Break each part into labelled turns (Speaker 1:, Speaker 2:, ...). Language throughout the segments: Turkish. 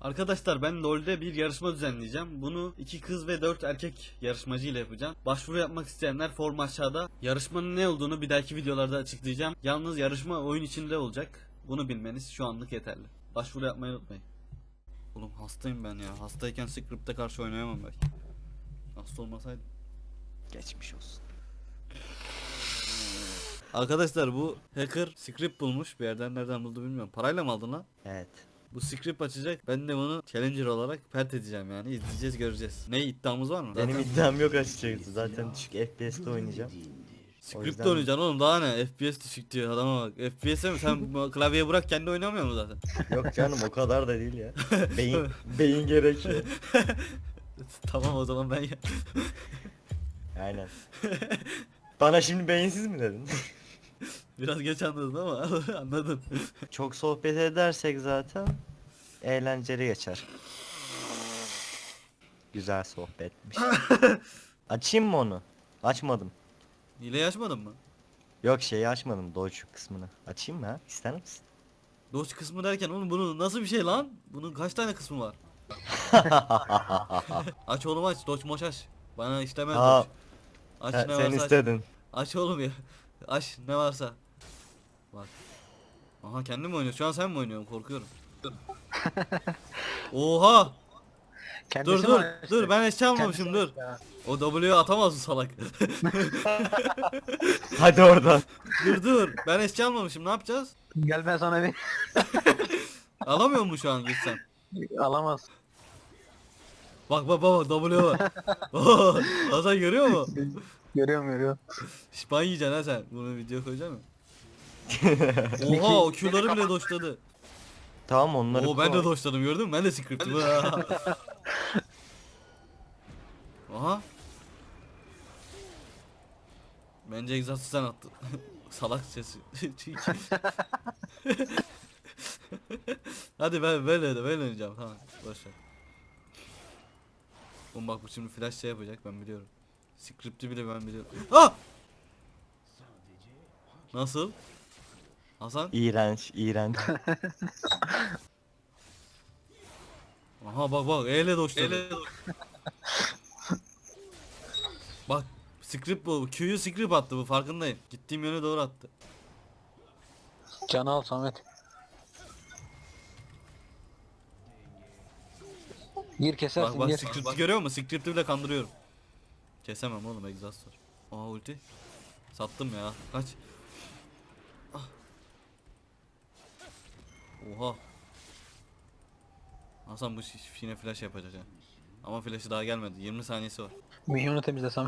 Speaker 1: Arkadaşlar ben LoL'de bir yarışma düzenleyeceğim. Bunu 2 kız ve 4 erkek yarışmacı ile yapacağım. Başvuru yapmak isteyenler form aşağıda. Yarışmanın ne olduğunu bir dahaki videolarda açıklayacağım. Yalnız yarışma oyun içinde olacak. Bunu bilmeniz şu anlık yeterli. Başvuru yapmayı unutmayın. Oğlum hastayım ben ya. Hastayken Script'e karşı oynayamam belki. Hasta olmasaydım.
Speaker 2: Geçmiş olsun.
Speaker 1: Arkadaşlar bu hacker script bulmuş. Bir yerden nereden buldu bilmiyorum. Parayla mı aldın lan?
Speaker 2: Evet.
Speaker 1: Bu script açacak. Ben de bunu challenger olarak pert edeceğim yani. İzleyeceğiz, göreceğiz. Ne iddiamız var mı?
Speaker 2: Benim iddiam yok açıkçası. Zaten düşük FPS'te oynayacağım. O
Speaker 1: Script
Speaker 2: yüzden-
Speaker 1: oynayacaksın oğlum, daha ne? FPS düşük diyor adama bak. FPS'e mi? Sen bu klavyeye bırak, kendi oynamıyor mu zaten?
Speaker 2: Yok canım o kadar da değil ya. Beyin gerekiyor.
Speaker 1: Tamam o zaman ben ya.
Speaker 2: Aynen. Bana şimdi beyinsiz mi dedin?
Speaker 1: Biraz geç anladın ama anladın.
Speaker 2: Çok sohbet edersek zaten eğlenceli geçer. Güzel sohbetmiş. Açayım mı onu? Açmadım.
Speaker 1: Hileyi açmadın mı?
Speaker 2: Yok şeyi açmadım, Dodge kısmını. Açayım mı ha? İster misin?
Speaker 1: Doç kısmı derken oğlum bunun nasıl bir şey lan? Bunun kaç tane kısmı var? Aç oğlum, aç. Doç moş aç. Bana işlemez
Speaker 2: Aa,
Speaker 1: Doç. Aç
Speaker 2: sen
Speaker 1: ne varsa aç.
Speaker 2: istedin.
Speaker 1: Aç oğlum ya. Aç ne varsa. Bak. Aha kendin mi oynuyorsun? Şu an sen mi oynuyorsun? Korkuyorum. Oha!
Speaker 3: Kendisi
Speaker 1: Dur
Speaker 3: mi açtı?
Speaker 1: dur ben eşya almamışım,
Speaker 3: Kendisi
Speaker 1: dur.
Speaker 3: açtı
Speaker 1: O W'yu atamaz bu salak.
Speaker 2: Hadi oradan.
Speaker 1: dur ben eşya almamışım, ne yapacağız?
Speaker 3: ha. Gel ben sana bir
Speaker 1: Alamıyor mu şu an gitsem?
Speaker 3: alamaz.
Speaker 1: Bak W var. Oo, Hasan görüyor mu?
Speaker 3: Görüyorum.
Speaker 1: Şipan yiyeceksin ha sen. Bunu video koyacak mı? Oha o Q'ları bile doşladı.
Speaker 2: Tamam onları
Speaker 1: Oo ben de
Speaker 2: koy.
Speaker 1: doşladım, gördün mü? Ben de script'im. Aha. Bence egzastı sen attın. Salak sesi. Hadi ben oynayacağım, tamam. Boş ver. Oğlum bak bu şimdi flash şey yapacak, ben biliyorum. Script'i bile ben biliyorum. Ah! Nasıl? Hasan?
Speaker 2: İğrenç.
Speaker 1: Aha bak eyle doşladı. Bak script bu. Q'yu script attı bu, farkındayım. Gittiğim yöne doğru attı.
Speaker 3: Canı al Samet. Gir kesersin
Speaker 1: Bak
Speaker 3: gir.
Speaker 1: script'i görüyor musun? Script'i bile kandırıyorum. Kesemem oğlum, exhaust var. Aha ulti. Sattım ya. Kaç. Ah. Oha. Hasan bu yine flash yapacak ha. Ama flash'ı daha gelmedi. 20 saniyesi var.
Speaker 3: Minyonu temizle Samet.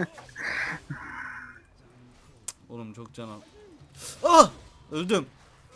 Speaker 1: Oğlum çok can al. Ah! Öldüm.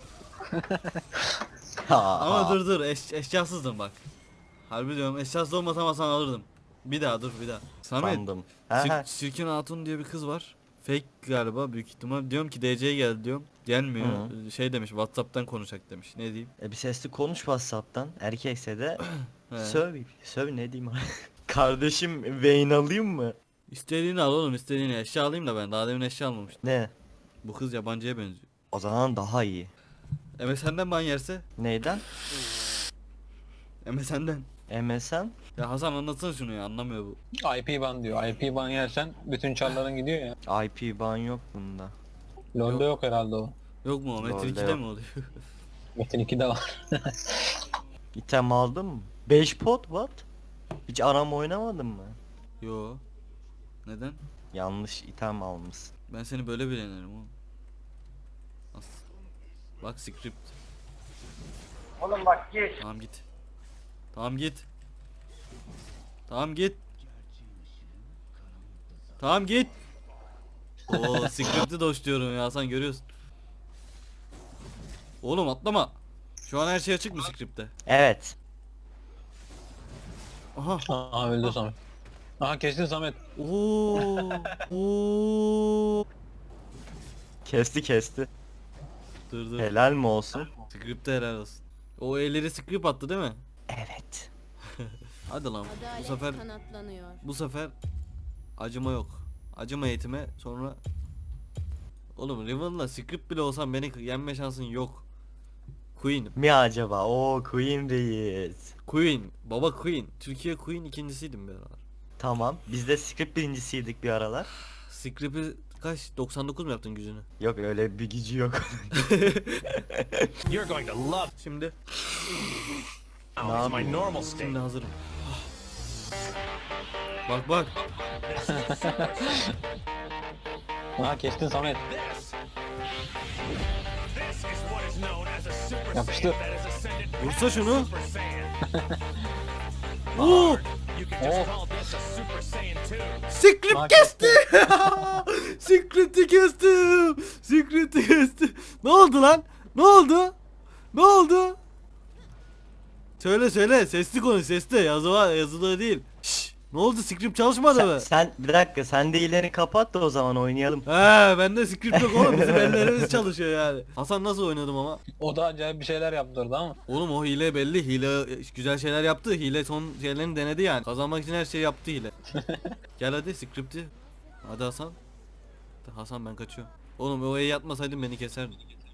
Speaker 1: Ama dur eşyasızdım bak. Harbi diyorum, eşyasız olmasam Hasan alırdım. Bir daha dur bir daha. Samet.
Speaker 2: Sandım. Ha.
Speaker 1: Sirkin Hatun diye bir kız var. Fake galiba büyük ihtimal. Diyorum ki DC'ye gel diyorum. Gelmiyor. Şey demiş, WhatsApp'tan konuşacak demiş. Ne diyeyim?
Speaker 2: Bir sesli konuş WhatsApp'tan. Erkekse de
Speaker 1: He.
Speaker 2: söv ne diyeyim. Kardeşim Vayne alayım mı?
Speaker 1: İstediğini al oğlum, istediğini. Eşya alayım da ben. Daha demin eşya almamıştım.
Speaker 2: Ne?
Speaker 1: Bu kız yabancıya benziyor.
Speaker 2: O zaman daha iyi.
Speaker 1: MSN'den ban yerse?
Speaker 2: Neyden?
Speaker 1: MSN'den.
Speaker 2: MSN?
Speaker 1: Ya Hasan anlatsana şunu ya, anlamıyor bu.
Speaker 3: IP ban diyor. IP ban yersen bütün çarların gidiyor ya.
Speaker 2: IP ban yok bunda.
Speaker 3: LoL'de yok herhalde o.
Speaker 1: Yok mu? Metin
Speaker 2: Lol'de
Speaker 1: 2'de
Speaker 2: yok.
Speaker 1: mi oluyor?
Speaker 3: Metin 2'de var.
Speaker 2: İtem aldın mı? 5 pot what? Hiç arama oynamadın mı?
Speaker 1: Yo. Neden?
Speaker 2: Yanlış item almışsın.
Speaker 1: Ben seni böyle bilenirim oğlum. As. Bak script.
Speaker 3: Oğlum bak geç.
Speaker 1: Tamam git. Tamam git. Tamam git. Tamam git. Oo script'i doşluyorum ya Hasan, görüyorsun. Oğlum atlama. Şu an her şey açık mı script'te?
Speaker 2: Evet.
Speaker 1: Aha.
Speaker 3: Aha öldü Samet. Aha kestin Samet.
Speaker 1: Oo. Oo.
Speaker 2: Kesti.
Speaker 1: Dur.
Speaker 2: Helal mi olsun?
Speaker 1: Script'te helal olsun. O elleri script attı değil mi?
Speaker 2: Evet.
Speaker 1: Hadi lan.
Speaker 4: Adalet
Speaker 1: Bu sefer
Speaker 4: kanatlanıyor.
Speaker 1: acıma yok. Acıma eğitime sonra. Oğlum Riven'la script bile olsam beni yenme şansın yok.
Speaker 2: Queen mi acaba? Oo Queen reis.
Speaker 1: Queen. Baba Queen. Türkiye Queen ikincisiydim bir aralar.
Speaker 2: Tamam. Biz de script birincisiydik bir aralar.
Speaker 1: Script'i kaç? 99 mu yaptın gücünü?
Speaker 2: Yok öyle bir gücü yok.
Speaker 4: You're going to love.
Speaker 1: Şimdi.
Speaker 4: Now it's my normal state.
Speaker 1: Şimdi hazırım. Bak bak.
Speaker 3: Ha kestin Samet.
Speaker 4: This is what is known as a super
Speaker 3: Yapıştır.
Speaker 4: saiyan that has ascended
Speaker 1: Vursa şunu.
Speaker 4: Super Saiyan.
Speaker 1: Oo!
Speaker 4: You can just
Speaker 3: Oh.
Speaker 4: call this a Super Saiyan 2.
Speaker 1: Script
Speaker 3: Bak
Speaker 1: kesti. Script'i kestim. Script'i kestim. Ne oldu lan? Ne oldu? Ne oldu? Söyle söyle. Sesli konuş. Sesli. Yazılı değil. Şşş. Ne oldu? Script çalışmadı mı?
Speaker 2: sen bir dakika sen de ileri kapat da o zaman oynayalım.
Speaker 1: He, bende script yok oğlum. Bizim ellerimiz çalışıyor yani. Hasan nasıl oynadım ama?
Speaker 3: O da acayip bir şeyler yaptırdı ama.
Speaker 1: Oğlum o hile belli. Hile güzel şeyler yaptı. Hile son şeylerini denedi yani. Kazanmak için her şeyi yaptı hile. Gel hadi script'i. Hadi Hasan. Hasan ben kaçıyorum. Oğlum o yatmasaydın beni keserdin.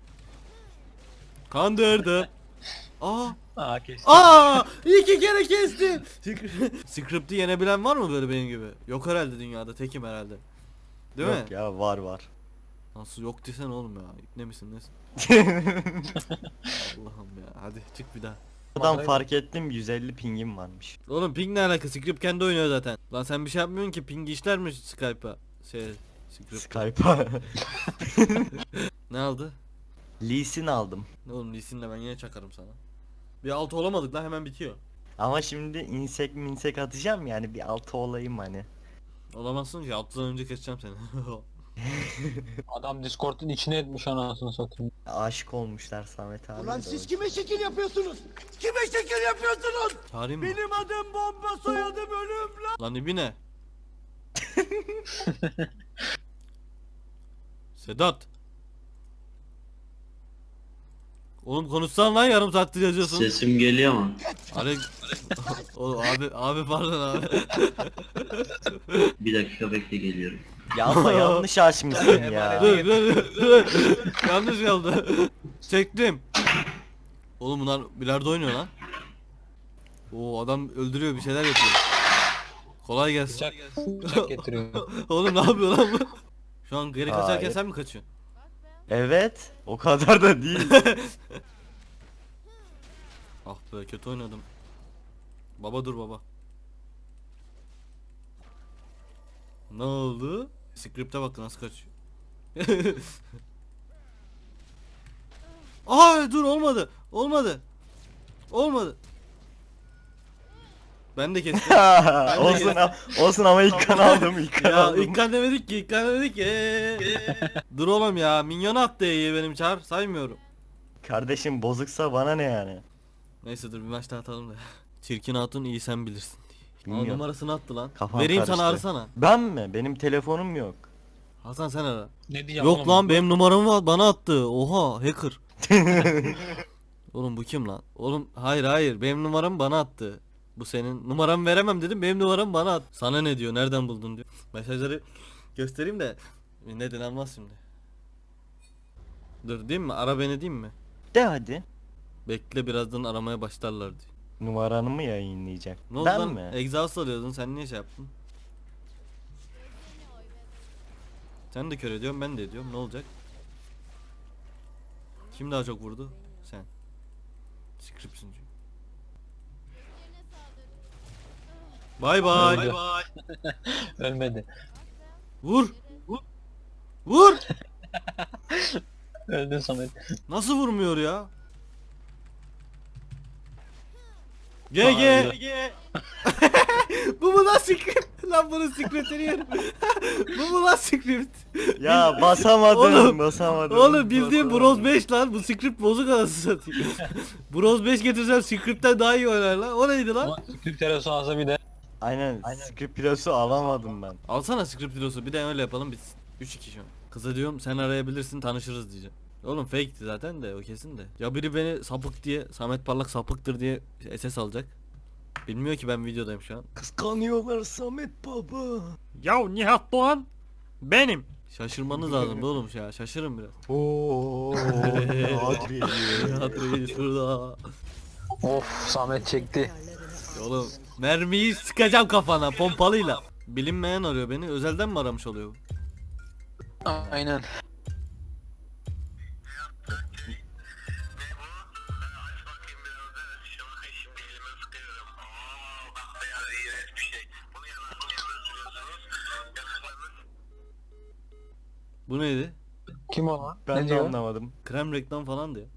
Speaker 1: Kandırdı. Aa!
Speaker 3: Ha kestin.
Speaker 1: Aa! 2 kere kestim. Script'i yenebilen var mı böyle benim gibi? Yok herhalde dünyada. Tekim herhalde. Değil
Speaker 2: Yok
Speaker 1: mi?
Speaker 2: ya var.
Speaker 1: Nasıl yok desen oğlum ya. Ne misin nesin? Allah'ım ya. Hadi çık bir daha.
Speaker 2: Buradan fark ettim 150 pingim varmış.
Speaker 1: Oğlum ping ne alakası? Script kendi oynuyor zaten. Lan sen bir şey yapmıyorsun ki, ping işler mi Skype'a? Script.
Speaker 2: Skype'a.
Speaker 1: Ne aldı?
Speaker 2: Lee Sin aldım.
Speaker 1: Ne oğlum Lee'sinle ben yine çakarım sana. Bir altı olamadık lan, hemen bitiyor.
Speaker 2: Ama şimdi insek atacağım yani bir altı olayım hani.
Speaker 1: Olamazsın ki, 6'dan önce keseceğim seni.
Speaker 3: Adam Discord'un içine etmiş anasını satayım.
Speaker 2: Aşık olmuşlar Samet abi.
Speaker 5: Ulan
Speaker 2: de
Speaker 5: siz
Speaker 2: o.
Speaker 5: kime şekil yapıyorsunuz? Kime şekil yapıyorsunuz?
Speaker 1: Çağırayım mı?
Speaker 5: Benim adım bomba, soyadım ölüm lan.
Speaker 1: Lan ibine. Sedat. Oğlum konuşsan lan, yarım saattir yazıyorsun.
Speaker 6: Sesim geliyor mu?
Speaker 1: Alek. Oğlum abi pardon abi.
Speaker 6: Bir dakika bekle geliyorum.
Speaker 2: Ya ama yanlış açmışsın ya.
Speaker 1: Dur. Yanlış oldu. Çektim. Oğlum bunlar bilardo oynuyor lan. Oo adam öldürüyor, bir şeyler yapıyor. Kolay gelsin.
Speaker 3: Bıçak getiriyor.
Speaker 1: Oğlum ne yapıyor lan bu? Şu an geri kaçarken
Speaker 2: Hayır.
Speaker 1: sen mi kaçıyorsun?
Speaker 2: Evet. O kadar da değil.
Speaker 1: Ah be, kötü oynadım. Baba dur baba. Ne oldu? Script'e bak nasıl kaçıyor. Ay dur, olmadı. Ben de kestim.
Speaker 2: olsun ama ilk kan aldım ilk kan
Speaker 1: Ya
Speaker 2: aldım.
Speaker 1: ilk kan demedik ki. Dur oğlum ya, minyon attı iyi benim çağır, saymıyorum.
Speaker 2: Kardeşim bozuksa bana ne yani?
Speaker 1: Neyse dur bir maç daha atalım da. Çirkin hatun iyi sen bilirsin. Aa,
Speaker 2: Bilmiyorum.
Speaker 1: numarasını attı lan.
Speaker 2: Kafam
Speaker 1: Vereyim
Speaker 2: karıştı.
Speaker 1: sana, arasana.
Speaker 2: Ben mi? Benim telefonum yok.
Speaker 1: Hasan sen ara.
Speaker 3: Ne diyeceğim
Speaker 1: Yok
Speaker 3: oğlum?
Speaker 1: lan, benim numaramı bana attı. Oha hacker. Oğlum bu kim lan? Oğlum hayır benim numaramı bana attı. Bu senin numaramı veremem dedim, benim numaramı bana at. Sana ne diyor, nereden buldun diyor. Mesajları göstereyim de neden almaz şimdi. Dur diyeyim mi, ara beni diyeyim mi?
Speaker 2: De hadi.
Speaker 1: Bekle, birazdan aramaya başlarlar diyor.
Speaker 2: Numaranı mı yayınlayacak?
Speaker 1: Ne oldu
Speaker 2: Ben
Speaker 1: lan?
Speaker 2: mi?
Speaker 1: Exhaust alıyordun, sen niye şey yaptın? Sen de kör ediyorsun, ben de ediyorum, ne olacak? Kim daha çok vurdu? Sen. Script'sin çünkü. Bay bay.
Speaker 3: Öldü. Ölmedi.
Speaker 1: Vur. Vur.
Speaker 3: Öldün Samet.
Speaker 1: Nasıl vurmuyor ya? GG.
Speaker 3: Hayır.
Speaker 1: Bu mu lan script? Lan bunun scriptini yerim. Bu mu lan script?
Speaker 2: Ya basamadım,
Speaker 1: Oğlum,
Speaker 2: basamadım.
Speaker 1: Oğlum bildiğin
Speaker 2: Basamadım.
Speaker 1: Bros 5 lan, bu script bozuk anasını satayım. Bros 5 getirsem script'ten daha iyi oynar lan. O neydi lan?
Speaker 3: Ama Türk terası alsa bir de.
Speaker 2: Aynen, script pilosu alamadım ben.
Speaker 1: Alsana script videosu, bir de öyle yapalım bitsin. 3-2 şu an. Kıza diyorum sen arayabilirsin, tanışırız diyeceğim. Oğlum fake'ti zaten de, o kesin de. Ya biri beni sapık diye, Samet Parlak sapıktır diye SS alacak. Bilmiyor ki ben videodayım şu an.
Speaker 2: Kıskanıyorlar Samet baba.
Speaker 1: Ya Nihat Doğan.
Speaker 2: Benim.
Speaker 1: Şaşırmanız lazım oğlum ya. Şaşırın biraz.
Speaker 2: Oo. Adri.
Speaker 1: Adri şurada.
Speaker 3: Of Samet çekti.
Speaker 1: Oğlum mermiyi sıkacağım kafana pompalıyla. Bilinmeyen arıyor beni. Özelden mi aramış oluyor bu?
Speaker 3: Aynen.
Speaker 1: Bu neydi?
Speaker 3: Kim o lan?
Speaker 2: Ben
Speaker 3: Ne
Speaker 2: de
Speaker 3: diyor?
Speaker 2: anlamadım.
Speaker 1: Krem reklam falan diyor.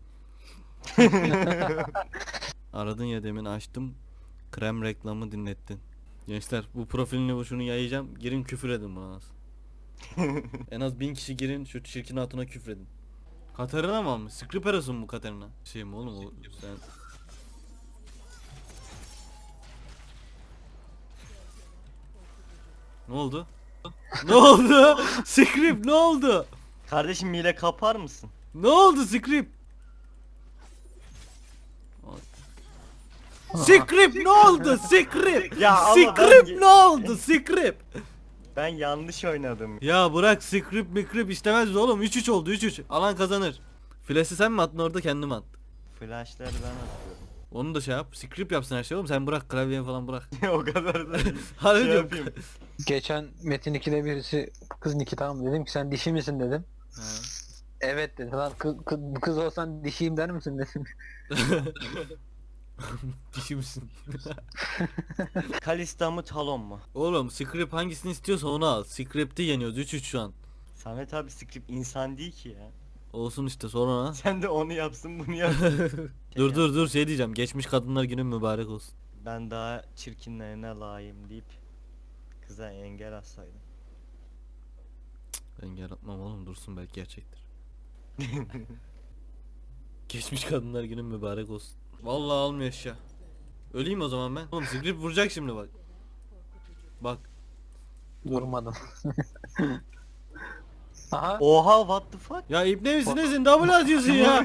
Speaker 1: Aradın ya demin açtım. Krem reklamı dinlettin. Gençler bu profilini bu şunu yayacağım. Girin küfür edin bana az. En az 1000 kişi girin şu çirkin hatuna küfredin. Katerina mı almış? Skriperas'ın mı Katerina? Şey mi oğlum o sen... Ne oldu? Ne oldu? Script ne oldu?
Speaker 2: Kardeşim hile kapar mısın?
Speaker 1: Ne oldu Script? Script ne oldu? Script.
Speaker 2: Ya ama
Speaker 1: Script
Speaker 2: ben-
Speaker 1: ne oldu? Script.
Speaker 2: Ben yanlış oynadım.
Speaker 1: Ya bırak script mikrip istemez oğlum. 3-3 oldu 3-3. Alan kazanır. Flash'ı sen mi attın orada kendim at.
Speaker 2: Flashları ben atıyorum.
Speaker 1: Onu da şey yap. Script yapsın her şey oğlum. Sen bırak klavyeni falan bırak.
Speaker 2: O kadar da
Speaker 1: Hadi
Speaker 2: şey
Speaker 1: diyorum.
Speaker 2: yapayım.
Speaker 3: Geçen Metin 2'de birisi kız Niki tamam dedim ki sen dişi misin dedim.
Speaker 1: Ha.
Speaker 3: Evet dedi. Lan kız olsan dişiyim der misin dedim.
Speaker 1: Dişi misin?
Speaker 2: Kalista mı Talon mu?
Speaker 1: Oğlum script hangisini istiyorsa onu al. Script'i yeniyoruz 3-3 şu an.
Speaker 2: Samet abi script insan değil ki ya.
Speaker 1: Olsun işte sonra.
Speaker 2: Sen de onu yapsın bunu yap.
Speaker 1: Dur şey diyeceğim. Geçmiş kadınlar günün mübarek olsun.
Speaker 2: Ben daha çirkinlerine layığım deyip kıza engel atsaydım.
Speaker 1: Ben yaratmam oğlum dursun belki gerçektir. Geçmiş kadınlar günün mübarek olsun. Vallahi almıyor eşya. Öleyim o zaman ben. Oğlum script vuracak şimdi bak. Bak.
Speaker 3: Durmadım. Aha.
Speaker 2: Oha what the fuck?
Speaker 1: Ya ibne misin nesin? Double atıyorsun ya.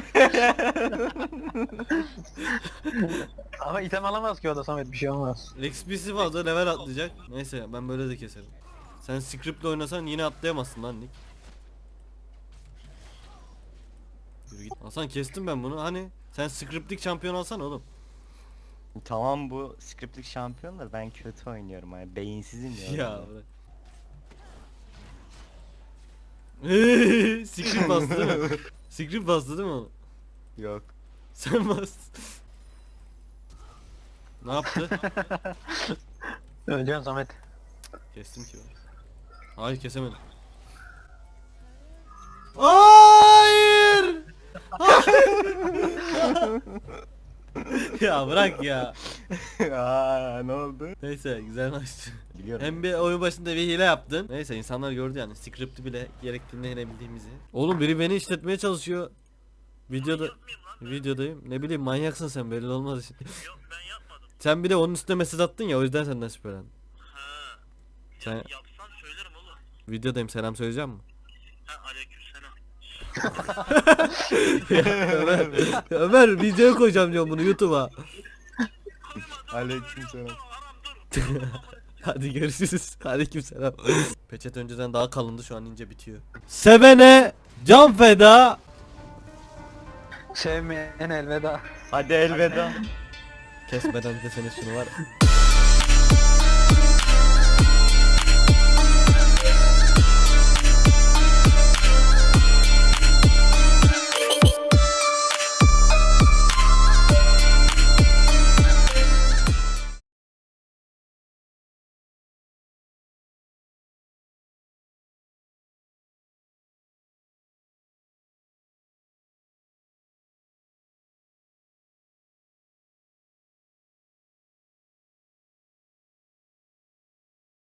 Speaker 3: Ama item alamaz ki o da Samet bir şey olmaz.
Speaker 1: XP'si fazla level atlayacak. Neyse ben böyle de keserim. Sen script'le oynasan yine atlayamazsın lan Nick. Yürü git. Hasan kestim ben bunu. Hani sen script'lik şampiyon alsan oğlum.
Speaker 2: Tamam bu scriptlik şampiyon da ben kötü oynuyorum yani beyinsizim ya.
Speaker 1: Ya bırak. Script bastı değil mi? Script bastı değil mi oğlum?
Speaker 2: Yok.
Speaker 1: Sen bastın. Ne yaptı?
Speaker 3: Öleceksin Samet.
Speaker 1: Kestim ki ben. Hayır kesemedim. Hayır! Ya bırak ya.
Speaker 2: Aa ne oldu?
Speaker 1: Neyse güzel maçtı.
Speaker 2: Biliyorum.
Speaker 1: Hem bir oyun başında bir hile yaptın. Neyse insanlar gördü yani script'i bile gerektiğinde yenebildiğimizi. Oğlum biri beni işletmeye çalışıyor. Videodayım. Ne bileyim manyaksın sen belli olmaz.
Speaker 7: Yok ben yapmadım.
Speaker 1: Sen bir de onun üstüne mesaj attın ya o yüzden senden şüphelendim.
Speaker 7: Ha.
Speaker 1: Sen
Speaker 7: Yapsan söylerim oğlum.
Speaker 1: videodayım selam söyleyeceğim mi?
Speaker 7: Ha aleykümselam.
Speaker 1: Ömer videoya koyacağım diyorum bunu YouTube'a.
Speaker 2: Aleykümselam.
Speaker 7: Haram dur.
Speaker 1: Hadi görüşürüz. Aleykümselam. Peçete önceden daha kalındı şu an ince bitiyor. Sevene can feda.
Speaker 3: Sevmeyen elveda.
Speaker 2: Hadi elveda.
Speaker 1: Kesmeden desene şunu var.